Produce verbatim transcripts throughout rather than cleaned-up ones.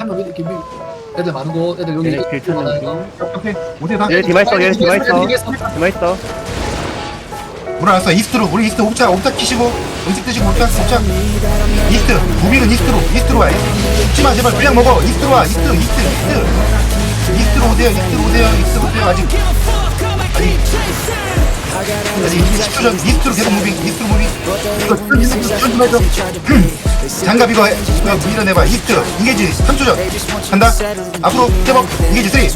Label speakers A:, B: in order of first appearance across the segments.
A: 한명 이렇게 밀. 애들 많은 곳, 애들 여기.
B: 얘네 길 찾는 중.
C: 오케이 오세요 다.
B: 얘네 디마 있어, 얘네 디마 있어. 디마 있어.
C: 물어났어. 이스트로 우리 이스트 옵자 옵자 키시고 음식 드시고 옵자 옵자 이스트 무빙은 이스트로 이스트로 와. 죽지마 제발 그냥 먹어. 이스트로 와. 이스트 이스트 이스트 이스트로 오세요. 이스트로 오세요. 이스트로 오세요. 아직 아직 아직 십 초 전 이스트로 계속 무빙 이스트로 무빙. 이거 좀 해줘. 장갑 이거 해. 이거 밀어내봐. 이스트 인게이지 삼 초 전 간다. 앞으로 스텝업 인게이지 삼, 이, 일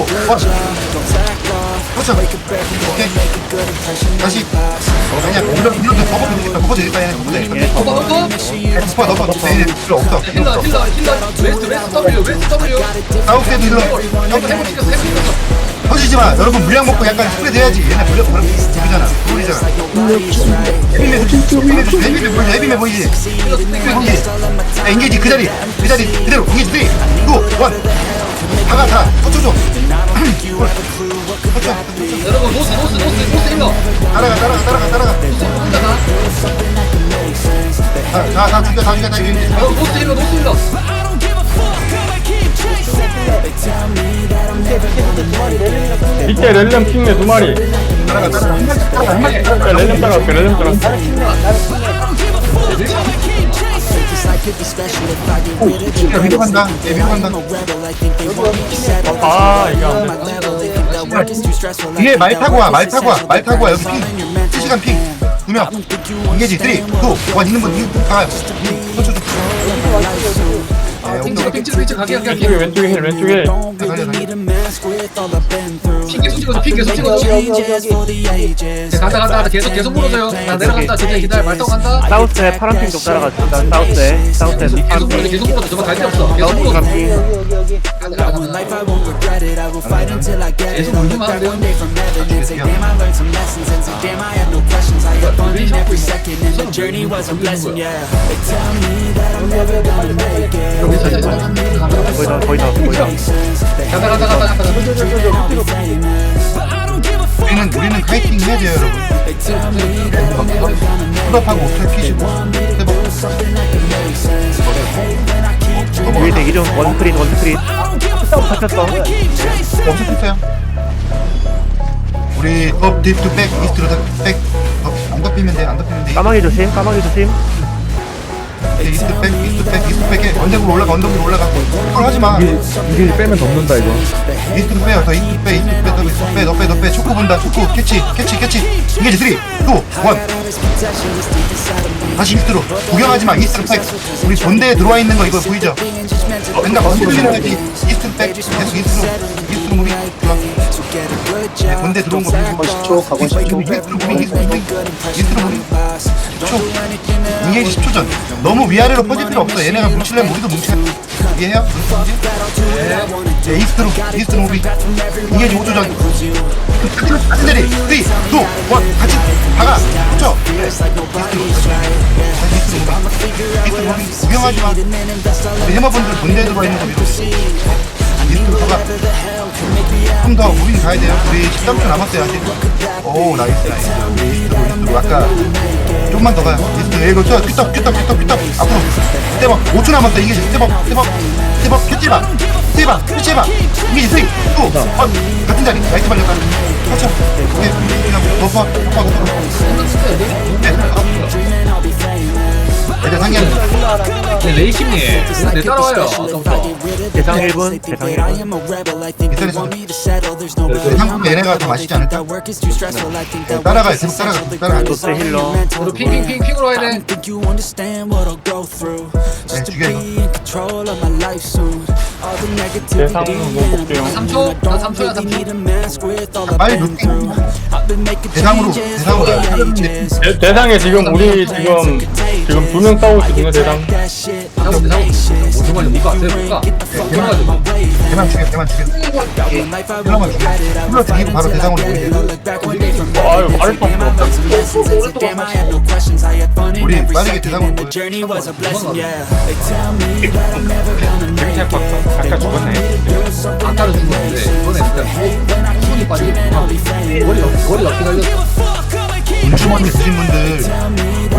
C: 그렇죠. 오케이. 다시. 아니야, 이런, 이런 데 버퍼 되겠다. 버퍼 되겠다. 얘네 버퍼 되겠다.
A: 어, 어, 어?
C: 버퍼 넣어, 넣어. 얘네 필요 없어. 필요
A: 힐러,
C: 없어.
A: 힐러, 힐러. 웨스트, 웨스트 W, 웨스트 W.
C: 사우스에도 힐러.
A: 해보, 해보 시켰어, 해보 시켰어.
C: 터지지 마. 여러분 물량 먹고 약간 스프레드 해야지. 얘네 물량, 물량, 물이잖아. 물이잖아. 헤비메, 헤비메, 헤비메 보이지? 헤비메 보이지? 헤비메 보이지? 야, 인게이지 그 자리. 그 자리 그대로. 인게이지 삼, 이, 일. 다가, 다. 터쳐줘. 터쳐.
A: 여러분, 노스, 노스, 노스, 노스 힐러.
C: 따라가, 따라가, 따라가, 따라가.
A: 혼자가.
C: 다, 다, 다 죽여, 다 죽여, 다 죽여.
A: 여러분, 노스 힐러, 노스 힐러.
D: 밑에 렐렘 핑네 두 마리.
C: 따라가, 따라가. 한 마리, 따라가, 한 마리.
D: 자, 렐렘 따라갈게, 렐렘 따라갈게.
C: 오, 위로 간다. 예, 위로 간다.
D: 아, 이게 안 돼.
C: 뒤에 말 타고 와, 말 타고 와, 말 타고 와. 여기 핑. 실시간 핑. 두 명. 인게지 삼, 이, 일. 있는 분, 이거 가요. 쳐, 쳐, 쳐.
A: 핑찍어, 핑찍어, 핑찍어. 가게, 가게,
D: 왼쪽에,
A: 가게.
D: 왼쪽에 힐, 왼쪽에 힐.
A: 핑 계속 찍어줘, 핑 계속 찍어줘. 네, 간다, 간다, 간다. 계속, 계속 물어줘요. 나 내려간다. 진짜 기다려. 말 타고 간다.
B: 사우스에 파란 핑 좀 따라가자. 사우스에, 사우스에
A: 계속
B: 파란
A: 물어줘,
B: 핑.
A: 계속 물어줘. 저거 갈데 없어. 계속
B: 사우스
A: 물어줘.
B: 파란 핑.
A: 간다, 간다, 간다. 계속 물리면 안 돼요. 여기 살짝
B: 거의 다, 거의 다, 거의 다.
A: 간다, 간다, 간다, 간다.
C: 우리는, 우리는 카이팅 해야 돼요, 여러분. 풀업하고 오탈 키시고. 해봐.
B: 위에 대기 중. 원스크린, 원스크린. 잡혔어.
C: 없었어요. 우리 업, 딥, 투, 백, 이스트로 다, 백. 업, 안 덮이면 돼, 안 덮이면 돼.
B: 까마귀 조심, 까마귀 조심.
C: 이제 이스트 백, 이스트 백, 이스트 백에 언덕으로 올라가, 언덕으로 올라가. 그걸 하지 마.
D: 이게 빼면 덮는다, 이거.
C: 이스트로 빼요, 더 이스트 빼, 이스트 빼, 더 이스트 빼, 너 빼, 너 빼. 초코 본다, 초코. 캐치, 캐치, 캐치. 인게지 삼, 이, 일. 다시 이스트로. 구경하지 마, 이스트로 백. 우리 본대에 들어와 있는 거 이거 보이죠? 맨날 건드리는 애들이 이스트로 백. 계속 이스트로, 이스트로 무빙. 좋아. 네, 본대 들어온 거 보이고.
E: 십 초, 가고 십 초.
C: 이스트로 무빙, 이스트로 무빙. 이스트로 무빙. 십 초. 인게이지 십 초 전. 너무 위아래로 퍼질 필요 없어. 얘네가 뭉치려면 우리도 뭉쳐야 돼. 이해해요? 네, 이스트로, 이스트로 무빙. 인게이지 오 초 전. 같은 자리. 삼, 이, 일. 같이 박아. 붙여. 이스트로. 다시 이스트로 무빙. 이스트로 무빙. 구경하지 마. 우리 해머분들 본대에 들어와 있는 거 믿어. 이스트로 박아. 좀 더 무빙 가야 돼요. 우리 십삼 초 남았어요, 아직. 오, 나이스, 나이스. 이스트로, 이스트로. 아까 좀만 더 가요. 이스트로. 이거 저 큐떡, 큐떡, 큐떡, 큐떡. 앞으로. 스텝업. 오 초 남았어. 이게 스텝업, 스텝업. 스텝업. 캐치해봐. 스텝업. 캐치해봐. 이게 삼, 이, 일. 같은 자리. 나이스 발렸다. 그렇죠. 오케이. 그냥 버퍼, 버퍼, 버퍼. 네. 애들 상기하는 거.
A: 네, 레이킴님. 네, 따라와요.
B: 대상 일 분, 대상 일 분.
C: 한국 얘네가 더 맛있지 않을까? 따라가요. 계속 따라가. 계속 따라가.
B: 노스 힐러.
A: 우리 핑핑핑 핑으로 와야 돼.
C: 네, 죽여 이거.
D: 대상은 못 볼게요.
A: 삼 초. 나 삼 초야, 삼 초.
C: 빨리 루팅. 대상으로, 대상으로.
D: 대, 대상에 지금 우리 지금 지금 두 명 싸우고 있거든요, 대상.
A: 잡으면 돼, 잡으면 돼. 뭐 정말 못 가. 못 가. 못 가.
C: 대만 죽여, 대만 죽여. 대만만 죽여. 힐러 죽이고 바로 대상으로 보이게.
D: 아유, 말을 수 없어.
C: 우리 빠르게 대상으로 보여.
D: 재밌게 박 아까 죽었네.
A: 아까는 죽었는데 이번에 일단 손이 빠지게 머리 머리 어깨 달렸어.
C: 운주머니 드신 분들